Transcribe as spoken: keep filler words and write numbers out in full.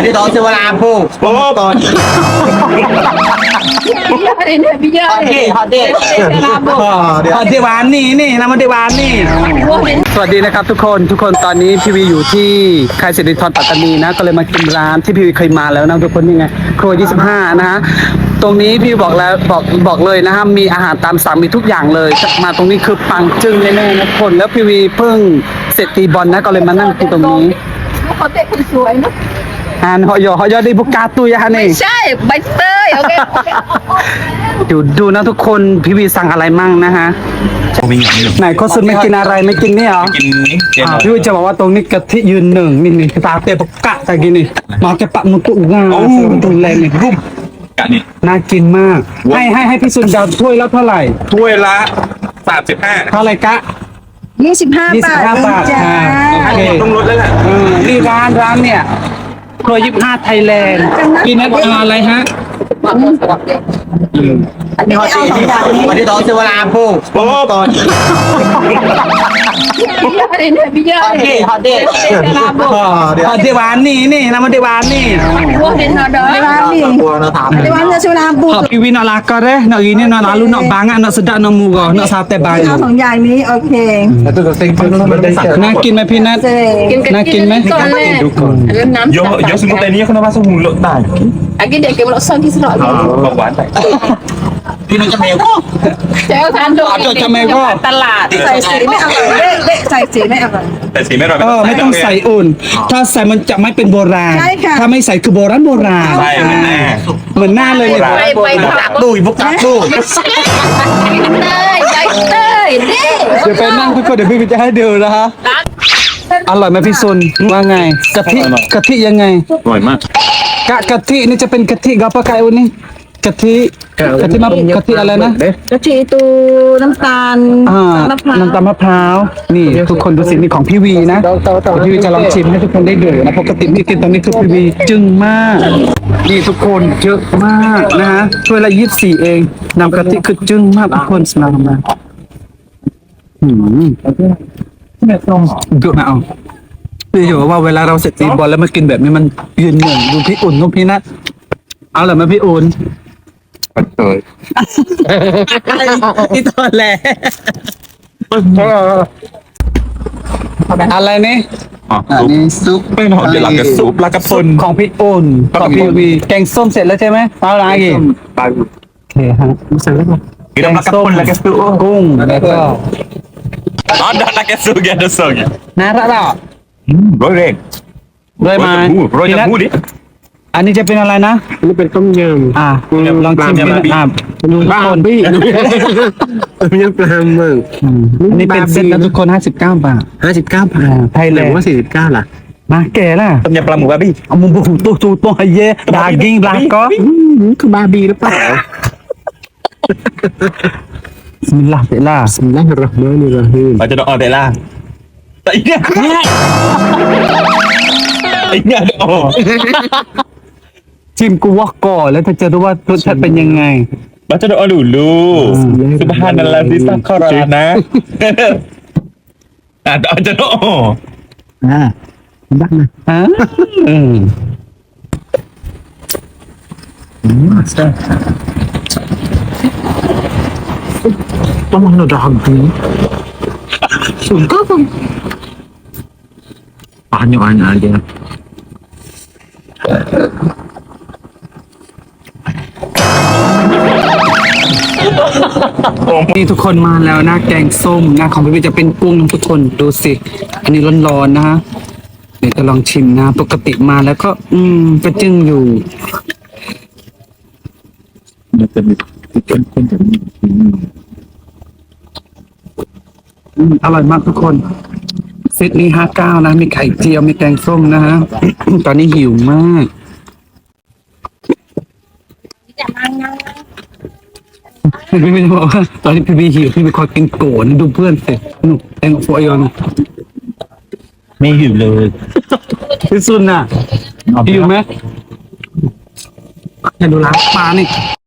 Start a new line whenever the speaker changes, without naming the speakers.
đi đón siêu làm phu bố còn họ đi họ đi họ điบ้านนี่นี่นะมาที่บ้านนี่สวัสดีนะครับทุกคนทุกคนตอนนี้พี่วีอยู่ที่ค่ายสิริธรปัตตานีนะก็เลยมากินร้านที่พี่วีเคยมาแล้วนะทุกคนนี่ไงครัวยี่สิบห้านะฮะตรงนี้พี่บอกแล้วบอกบอกเลยนะฮะมีอาหารตามสั่งมีทุกอย่างเลยมาตรงนี้คือปังจึ้งแน่ๆนะทุกคนแล้วพี่วีเพิ่งเสร็จตีบอลนะก็เลยมานั่งกินตรงนี้
เขาเตะคนสวยเนาะ
อ่านหอยหอยดีบุกกาตุยฮะนี่
ใช่ใบเตยโอเค
ดูดูนะทุกคนพี่วีสั่งอะไรมั่งนะฮะไหนโคสุนไม่กินอะไรไม่กินนี่เหรอกินนี่พี่วีจะบอกว่าตรงนี้กะทิยืนหนึ่งนี่นี่ตาเตะบุกกะแต่กินนี่มาแกปะมุตุงาตุนแรงนี่รูปกะนี่น่ากินมากให้ให้ให้พี่สุนดาวถ้วยแล้วเท่าไหร่
ถ้วยละสามสิบห้า
เท่าไหร่กะ
ยี่สิบห้าบาท
บาทอ่าโอเค
ต้องลดแล้วแหละ
นี่ร้านร้านเนี่ยครัวยี่สิบห้าไทยแลนด์กินอะไรฮะ
อันนี้เอาสองอย่างนี้
วันนี้ต้องซื้อเวลาพูโอ้ก่อน
อันนี้พี่เยอะเลย
ฮอตเดย์ฮอตเดย์วานนี่นี่นะมันเดย์วานนี่
วัวเห็นหน่อยเด้อวานนี่เดย์วานจะชื่อลาบู
พี่วินอลากอเร่นออีนี่นอลาลุนอบางอ่ะนอสุดานอมูกอนอซาเตบาย
เอาสองอย่างนี้โอเค
น่ากินไหมพี่นัทน่ากินไหม
yo yo semua tadi aku nak masuk mulut tak
lagi dia ke mulut sang kisah lagi
bawaan tak
พี่น้องจะเมลก็
เจ้าทานดู
จะเมลก็
ตลาดใส่สีไม่อร่อยเละเละใส่สีไม่อร่อย
ใส่สีไม่อร่อย
เออไม่ต้องใส่อุ่นถ้าใส่มันจะไม่เป็นโบราณถ้าไม่ใส่คือโบราณโบราณ
ใช่เหมือนหน้า
เหมือนหน้าเลย
ไปไปผัก
ดูบุกตักดู
เตยใบเตยเด้
เดี๋ยวไปนั่งทุกคนเดี๋ยวพี่จะให้ดูนะฮะอร่อยไหมพี่ซุนว่าไงกะทิกะทิยังไง
อร่อยมาก
กะกะทินี่จะเป็นกะทิกะปะไก่อุ่นนี่กะทิกะทิมะกะทิอะไรนะ
กะทิตูน้ำตาล
น้ำตาลน้ำตาลมะพร้าวนี่ทุกคนดูสินี่ของพี่วีนะพี่วีจะลองชิมให้ทุกคนได้ดูนะปกติพี่กินตอนนี้คือพี่วีจึ้งมากนี่ทุกคนเยอะมากนะฮะถ้วยละยี่สิบสี่เองน้ำกะทิคือจึ้งมากทุกคนสมามาหืมเยอะนะเอาพี่อยู่ว่าเวลาเราเสร็จตีบอลแล้วมากินแบบนี้มันยืนหนึ่งดูพี่อุ่นดูพี่นัทเอาเหรอมาพี่อุ่น
เตย
ที่ตอนแรกอะไรนี่อันนี้ซุป
เป็นหอมเดี๋ยวหลังกับซุปปลากระพง
ของพี่อุ่นของพี่วีแกงส้มเสร็จแล้วใช่ไหมเอาอะไรอีก
ปลาโ
อเคฮะเสร็จแล้ว
แกงส้มแล้วก็ซุป
กุ้งแล้วก็
อ๋อด้านแกงซุปแกงส้ม
น่ารักอ่ะ
โรยเร่ง
โรยมา
โรยจมูกดิ
อันนี้จะเป็นอะไรนะ
นี่เป็นต้มยำ
อ่าลองชิมดูอ่า
บ้าบี้ต้มยำปลาหมึก
อันนี้เป็นเซ็ตนะทุกคนห้าสิบเก้าบาท
ห้าสิบเก้าบาท
ไทยแลนด์
ว่าสี่สิบเก้าล่ะ
มาแก่ล่ะ
ต้มยำปลาหมูบาร์บี้
เอามุมบุกตัวตัวตัวเย่ดากิ้งบลาก็
คือบาร์บี้หรือเปล่า
บิสมิลลาห์เตล่า
บิสมิลลาฮิรเราะห์มานิรเราะฮีม
เราจะดอเตล่าแต่อีเนี่ยไอ้เนี่ยดอ
ชิมกูวอกก่อนแล้วจะรู้ว่ารสชาติเป็นยังไง
บัจจดอลูลูสุบฮานัลลาฮิซักคารานะอ่ะบัจจดอ
อ่าดักนะอ่าอืมอืมใช่
ต้องมาดองดีสุดก็ต้องbanyak-banyak aja
นี่ทุกคนมาแล้วนะแกงส้มนะของพี่วิจะเป็นกุ้งทุกคนดูสิอันนี้ร้อนๆนะฮะเดี๋ยวจะลองชิมนะปกติมาแล้วก็อืมก็จึ้งอยู่
มันจะมีเป็นคนแบบนี้
อร่อยมากทุกคนเซตนี้ห้าเก้านะมีไข่เจียวมีแกงส้มนะฮะ ตอนนี้หิวมากพี่ไม่บอกว่าตอนนี้พี่บีหิวพี่ไปคอยกินโกนดูเพื่อนสิหนุกแองโฟยอน
ไม่หิวเลย
พี่ซุนน่ะหิวไหมให้ดูร้านปลานี่